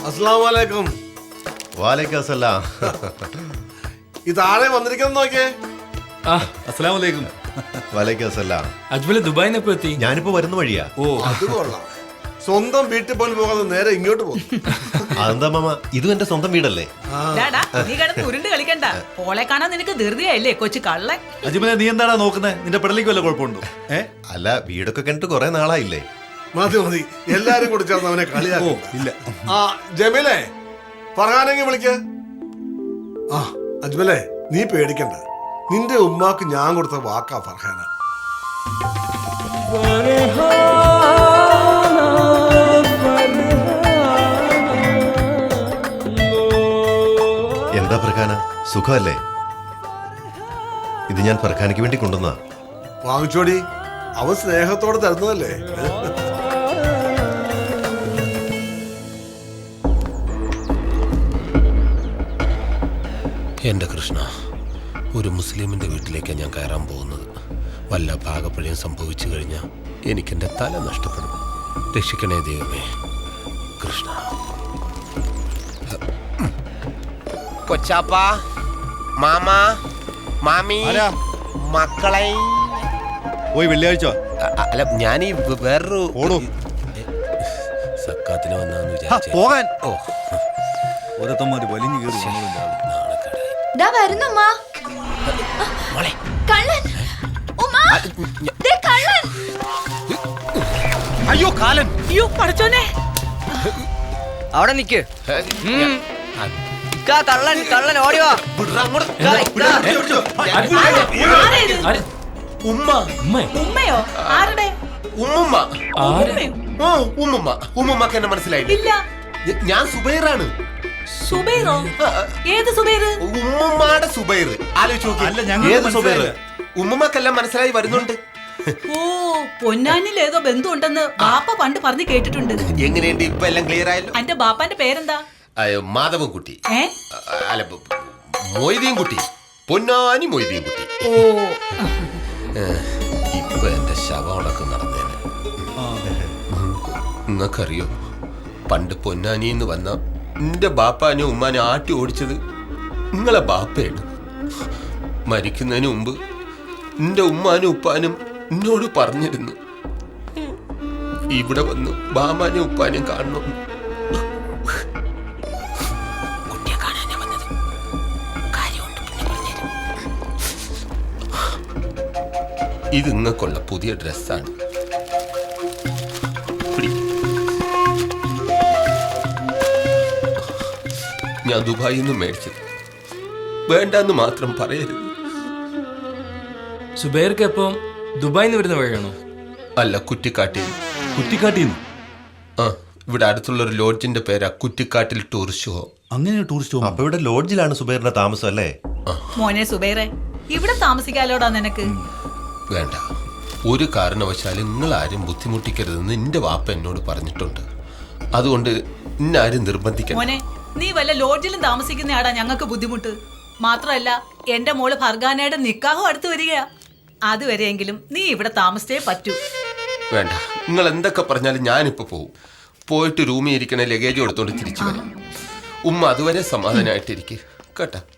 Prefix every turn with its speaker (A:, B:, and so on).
A: അസ്സലാമു അലൈക്കും.
B: വാലൈക്കും അസ്സലാം.
A: ഇതാരെ വന്നിരിക്കുന്നത് നോക്കിയേ.
C: അസ്സലാമു അലൈക്കും.
B: വാലൈക്കും അസ്സലാം.
D: അജ്മൽ ദുബായിന്ന് എപ്പോ എത്തി?
B: ഞാനിപ്പോ വരുന്ന വഴിയാ.
D: ഓ
A: അത് കൊള്ളാം. സ്വന്തം വീട്ടിൽ പോലും പോകാതെ നേരെ ഇങ്ങോട്ട് പോകും.
B: അതെന്താ മാമ, ഇതും എന്റെ സ്വന്തം വീടല്ലേ?
E: ഡാടാ, നീ കിടന്ന് ഉരുണ്ട് കളിക്കണ്ട. ഓളെ കാണാൻ നിനക്ക് ധൃതിയായില്ലേ കൊച്ചു കള്ളൻ.
C: അജ്മലെ നീ എന്താടാ നോക്കുന്നത്? നിന്റെ പെടലിക്ക് വല്ല കുഴപ്പമുണ്ടോ?
B: അല്ല, വീടൊക്കെ കണ്ടിട്ട് കുറെ നാളായില്ലേ?
A: മതി മതി, എല്ലാരും കൂടി ചേർന്ന് അവനെ
C: ഓ
A: കളിയാക്കും.
C: ഇല്ല.
A: ആ ജമീലേ, ഫർഹാനെങ്കിൽ വിളിക്ക. ആ അജ്മലേ, നീ പേടിക്കണ്ട. നിന്റെ ഉമ്മാക്ക് ഞാൻ കൊടുത്ത വാക്കാ ഫർഹാന.
B: എന്താ ഫർഖാന, സുഖമല്ലേ? ഇത് ഞാൻ ഫർഖാനയ്ക്ക് വേണ്ടി കൊണ്ടുവന്നാ.
A: വാങ്ങിച്ചോടി, അവൻ സ്നേഹത്തോടെ തരുന്നതല്ലേ.
F: എൻ്റെ കൃഷ്ണ, ഒരു മുസ്ലിമിൻ്റെ വീട്ടിലേക്കാണ് ഞാൻ കയറാൻ പോകുന്നത്. വല്ല പാകപ്പഴയും സംഭവിച്ചു കഴിഞ്ഞാൽ എനിക്കെൻ്റെ തല നഷ്ടപ്പെടും. രക്ഷിക്കണേ ദൈവമേ. കൃഷ്ണ. കൊച്ചാപ്പ, മാമ, മാമി, മക്കളെ.
C: പോയി വെള്ളിയാഴ്ച
F: അല്ല, ഞാനീ വേറൊരു
C: ഓടൂ.
F: സക്കാത്തിന് വന്നാന്ന് വിചാരിച്ചു
C: പോകാൻ.
F: ഓ,
C: ഓരോരുത്തന്മാര് വലിഞ്ഞു കയറി
F: നാണക്കേടായി.
G: ദാ വരുന്നുമ്മ.
F: മോളെ,
G: കള്ളൻ. ഉമ്മ, ദേ കള്ളൻ.
F: അയ്യോ കാലൻ.
E: അയ്യോ പഠിച്ചോനെ.
H: അവിടെ നിക്ക്. കള്ളൻ കള്ളൻ ഓടിവാ.
F: ഉമ്മ.
E: ഉമ്മയോ? ആരുടെ?
F: ഉമ്മുമ്മ.
E: ഉമ്മയോ?
F: ഉമ്മുമ്മ. ഉമ്മുമ്മക്ക് എന്നെ മനസ്സിലായില്ല.
E: ഇല്ല.
F: ഞാൻ സുബൈറാണ്.
E: സുബൈറോ? ഏത് സുബൈറ്?
F: ഉമ്മുമ്മയുടെ സുബൈർ. ആലോചിച്ച് നോക്കി.
C: അല്ല, ഞങ്ങൾക്ക്
F: ഏത് സുബൈർ?
C: മനസ്സിലായില്ല.
F: ഉമ്മുമ്മക്കെല്ലാം മനസ്സിലായി വരുന്നുണ്ട്.
E: ഓ, പൊന്നാനിൽ ഏതോ ബന്ധു ഉണ്ടെന്ന് ബാപ്പ പണ്ട് പറഞ്ഞു കേട്ടിട്ടുണ്ട്.
F: എങ്ങനെയുണ്ട് ഇപ്പൊ എല്ലാം ക്ലിയർ ആയല്ലോ?
E: അന്റെ ബാപ്പാന്റെ പേരെന്താ?
F: മാധവൻ കുട്ടി.
E: ഏ?
F: അല്ല, മൊയ്തീൻ കുട്ടി. പൊന്നാനി മൊയ്തീൻ കുട്ടി.
E: ഓ,
F: ഇപ്പൊ എന്റെ ശവമടക്കം നടന്നേനെ. നിങ്ങൾക്കറിയോ, പണ്ട് പൊന്നാനിന്ന് വന്ന എന്റെ ബാപ്പാനും ഉമ്മാനും ആട്ടി ഓടിച്ചത് നിങ്ങളെ ബാപ്പയാണ്. മരിക്കുന്നതിന് മുമ്പ് എന്റെ ഉമ്മാനും ഉപ്പാനും എന്നോട് പറഞ്ഞിരുന്നു, ഇവിടെ വന്ന് ബാമാനും ഉപ്പാനും കാണണം. കുട്ടിയെ കാണാനാ വന്നത്. കാര്യമുണ്ട്, പിന്നെ പറഞ്ഞുതരും. ഇത് നിങ്ങൾക്കുള്ള പുതിയ ഡ്രസ്സാണ്. ഞാൻ ദുബായിൽ നിന്ന് മേടിച്ചത്. വേണ്ടെന്ന് മാത്രം പറയരുത്.
D: സുബൈർക്ക് എപ്പം ദുബായിന്ന് വരുന്ന വഴിയാണോ?
F: അല്ല, കുറ്റിക്കാട്ടിൽ.
C: കുറ്റിക്കാട്ടിന്ന്.
F: ആ, ഇവിടെ അടുത്തുള്ളൊരു ലോഡ്ജിന്റെ പേരാ കുറ്റിക്കാട്ടിൽ ടൂറിസ്റ്റ് ഹോം.
C: അങ്ങനെ ടൂറിസ്റ്റ് ഹോം.
B: അപ്പൊ ഇവിടെ ലോഡ്ജിലാണ് സുബൈറിന്റെ താമസം അല്ലേ?
E: മോനെ സുബൈറെ, ഇവിടെ താമസിക്കാലോടാ നിനക്ക്.
F: വേണ്ട, ഒരു കാരണവശാലും നിങ്ങൾ ആരും ബുദ്ധിമുട്ടിക്കരുതെന്ന് എന്റെ വാപ്പ എന്നോട് പറഞ്ഞിട്ടുണ്ട്. അതുകൊണ്ട് ഇന്നാരും നിർബന്ധിക്കണം.
E: മോനെ, നീ വല്ല ലോഡ്ജിലും താമസിക്കുന്നയാടാ ഞങ്ങൾക്ക് ബുദ്ധിമുട്ട്. മാത്രമല്ല, എന്റെ മോള് ഫർഗാനയുടെ നിക്കാഹും അടുത്ത് വരികയാ. അതുവരെയെങ്കിലും നീ ഇവിടെ താമസിച്ചേ പറ്റൂ.
F: വേണ്ട, നിങ്ങൾ എന്തൊക്കെ പറഞ്ഞാലും ഞാനിപ്പോ പോവും. പോയിട്ട് റൂമിൽ ഇരിക്കണ ലഗേജ് എടുത്തോണ്ട് തിരിച്ചു വരാം. ഉമ്മ അതുവരെ സമാധാനമായിട്ടിരിക്കുക കേട്ടാ.